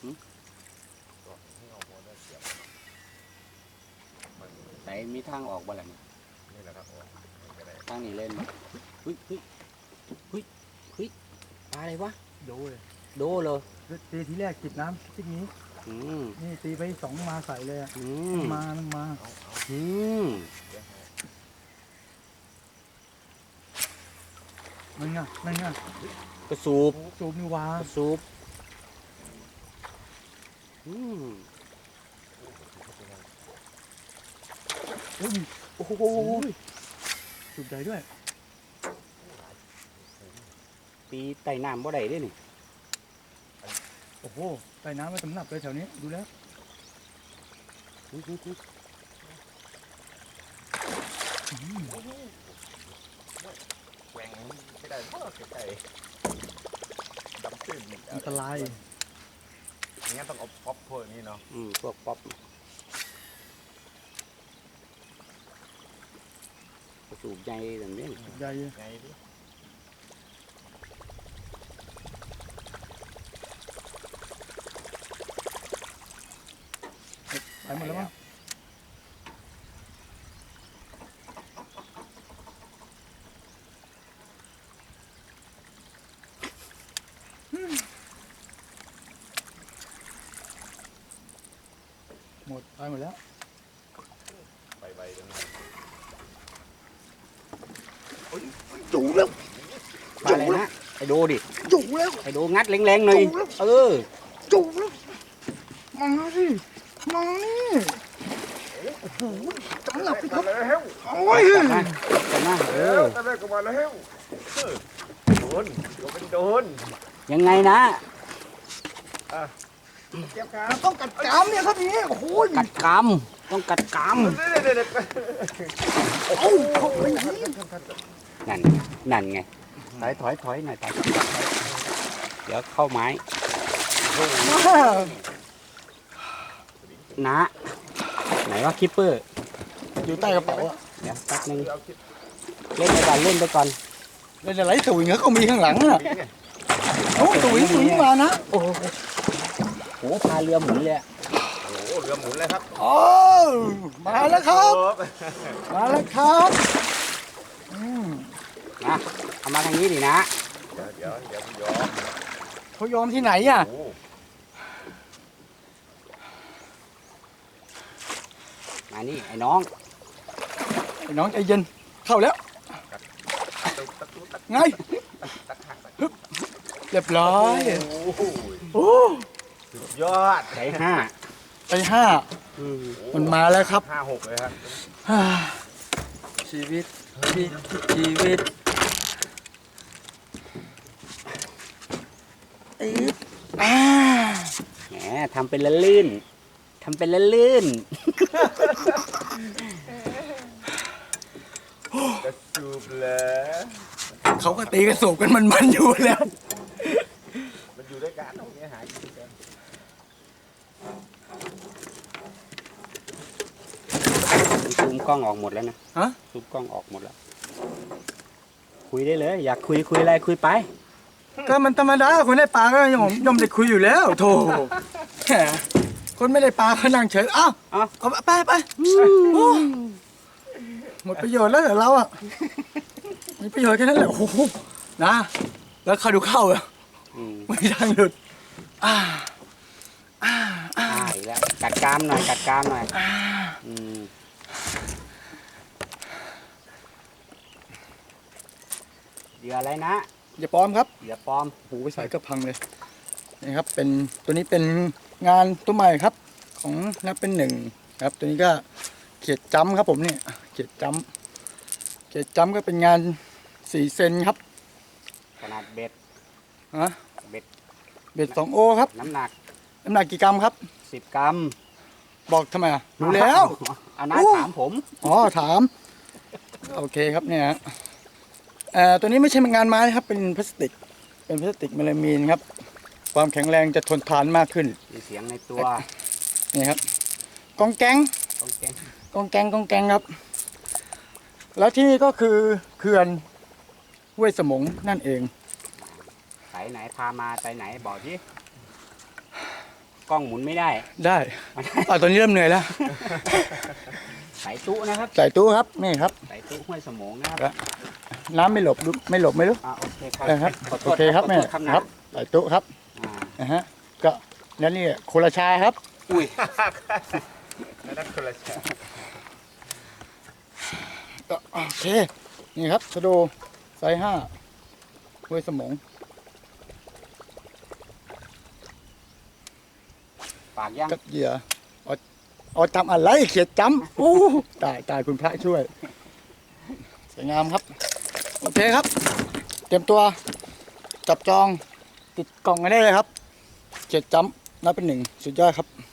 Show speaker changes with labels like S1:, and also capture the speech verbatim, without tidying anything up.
S1: แต่มีทางออกบ้างล่ะนี่แหละครับทางนี้เล่นเฮ้ยเฮ้ยเฮ้ยเฮ้ยปลาอะไรวะโดเลยโดเลย
S2: ตีทีแรกจิบน้ำที่นี้นี่ตีไปสองมาใส่เลยอ่ะมามันมา
S1: อืม
S2: นั่นไงนั่นไง
S1: กระสูบ
S2: สูบนี่วาก
S1: ระสูบอืม
S2: โอ้โหสูบใหญ่ด้วย
S1: ตีไต่น้ำบ่ได้ด้วยนี่
S2: โอ้โหไต่น้ำไม่สำนับเลยแถวนี้ดูแล้ว
S3: แหว่งไม่ได้เพราะไก่ดำตื้น
S2: อันตราย
S3: อย่างงี้ต้องเอาป๊อปพวกนี้เนาะ
S1: อืมพวกป๊อปสูบใหญ่แบบนี้
S2: ใหญ่
S3: ใหญ่ดิ
S2: ไปหมดแล้วมั้งหมดไปหมดแล้ว
S3: ใบใบตรงนี้
S1: จุแล้วจุแล้วไอ้โดดิ
S2: จุแล้ว
S1: ไอ้โดงัดแรงๆหน่อยเออ
S2: จุแล้วมาสิมานี่โอ้โหจังหลับไปครับโอ้ย
S1: จับมาจับมาเออ
S3: ตะเลิกก็มาแล้วโดนโดนเป็นโดน
S1: ยังไงนะ
S2: เก็บขาต้องกัดกามเนี่ยครับนี่โอ้โห
S1: กัดกามต้องกัดกาม
S2: โอ้โห
S1: นั่นนั่นไงถอยถอยถอยหน่อยถอยเดี๋ยวเข้าไม้นะไหนว่าคิปเปอร์
S2: อยู่ใต้กระเป๋า
S1: เดี๋ยวแป๊บนึงเล่นไปก่อนเล่นไปก่อน
S2: เล่นอะไรตุ๋ยเงี้ยก็มีข้างหลังน่ะโอ้ตุ๋ยตุ๋ยมานะโอ้โห
S1: โหพาเรือหมุนเลย
S3: โอ้เรือหมุนเลยครับ
S2: โอ้มาแล้วครับมาแล้วครับ
S1: นะเอามาทางนี้ดินะ
S3: เดี๋ยวเดี๋ยวเดี๋ยวยอม
S2: เขายอมที่ไหนอ่ะ
S1: มานี่ไอ้น้อง
S2: ไอ้น้องใจเย็นเข้าแล้วไงเรียบร้อยโอ้
S3: สุดยอด
S1: ใจห้า
S2: ใจห้ามันมาแล้วครับ
S3: ห้าหกเลยครับ
S2: ชีวิตชีวิต
S1: แหมทำเป็นละลื่นทำเป็นละลื่น
S3: กระสูบเลย
S2: เขาก็ตีกระสูบกันมันมันอยู่แล้ว
S3: มันอยู่ด้วยกันตรงนี้หายกัน
S1: ซูมกล้องออกหมดแล้วนะ
S2: ฮะ
S1: ซูมกล้องออกหมดแล้วคุยได้เลยอยากคุยคุยอะไรคุยไป
S2: ก็มันธรรมดาคนได้ปลาก็ยังยอมได้คุยอยู่แล้วโธ่คนไม่ได้ปลาเขานั่งเฉยอ้าวเอาไปไปหมดประโยชน์แล้วเหรอเราอ่ะมีประโยชน์แค่นั้นแหละโอ้โหนะแล้วเขาดูเข้าอ่ะไม่ทางหลุดอ่า
S1: อ่าอ่าอีกแล้วกัดกรามหน่อยกัดกรามหน่อยอืมเหยื่ออะไรนะ
S2: อย่าปลอมครับ
S1: อย่าปลอม
S2: หูไปใส่ก็พังเลยนี่ครับเป็นตัวนี้เป็นงานตัวใหม่ครับของนับเป็นหนึ่งครับตัวนี้ก็เขียดจ้ำครับผมเนี่ยเขียดจ้ำเขียดจ้ำก็เป็นงานสี่เซนครับ
S1: ขนาดเบ็ด
S2: ฮะ
S1: เบ็ด
S2: เบ็ดสองโอครับ
S1: น้ำหนัก
S2: น้ำหนักกี่กรัมครับ
S1: สิบกรัม
S2: บอกทำไมอ่ะรู้แล้ว
S1: เอาน้าถามผม
S2: อ๋อถามโอเคครับเนี่ยเอ่อตัวนี้ไม่ใช่งานไม้นะครับเป็นพลาสติกเป็นพลาสติกเมลามีนครับความแข็งแรงจะทนทานมากขึ้น
S1: มีเสียงในตัว
S2: นี่ครับกองแกง
S1: กองแกง
S2: กองแกงกองแกงครับแล้วที่นี่ก็คือเขื่อนห้วยสมงนั่นเอง
S1: สายไหนพามาสายไหนบอกที่กล้องหมุนไม่ได้
S2: ได้อ่ะตอนนี้เริ่มเหนื่อยแล้ว
S1: สายตู้นะครับ
S2: ใส่ตู้ครับนี่ครับ
S1: สายตู้ห้วยสมงนะครับ
S2: น้ำไม่หลบไม่หลบไม่รู้
S1: อ่าโอเคครับ
S2: นะครับ
S1: ขอโท
S2: โอ
S1: ษ
S2: เคครับ
S1: ขอ
S2: แม่
S1: โทษครับนะครับ
S2: ใส่ตู้ครับ
S1: อ่า
S2: นะฮะก็แล้วนี่โคราชาครับ
S1: อุ้ย
S3: แล้วนั่นคนละแฉะ
S2: ก็โอเคนี่ครับชะโดไซส์ห้าห้วยสมง
S1: ปากย่าง
S2: กับเหยื่อเอาเอาจำอะไรเขียดจำอู้ตายตายคุณพระช่วยสวยงามครับโอเคครับ เตรียมตัวจับจองติดกล่องกันได้เลยครับเขียดจำนับเป็นหนึ่งสุดยอดครับ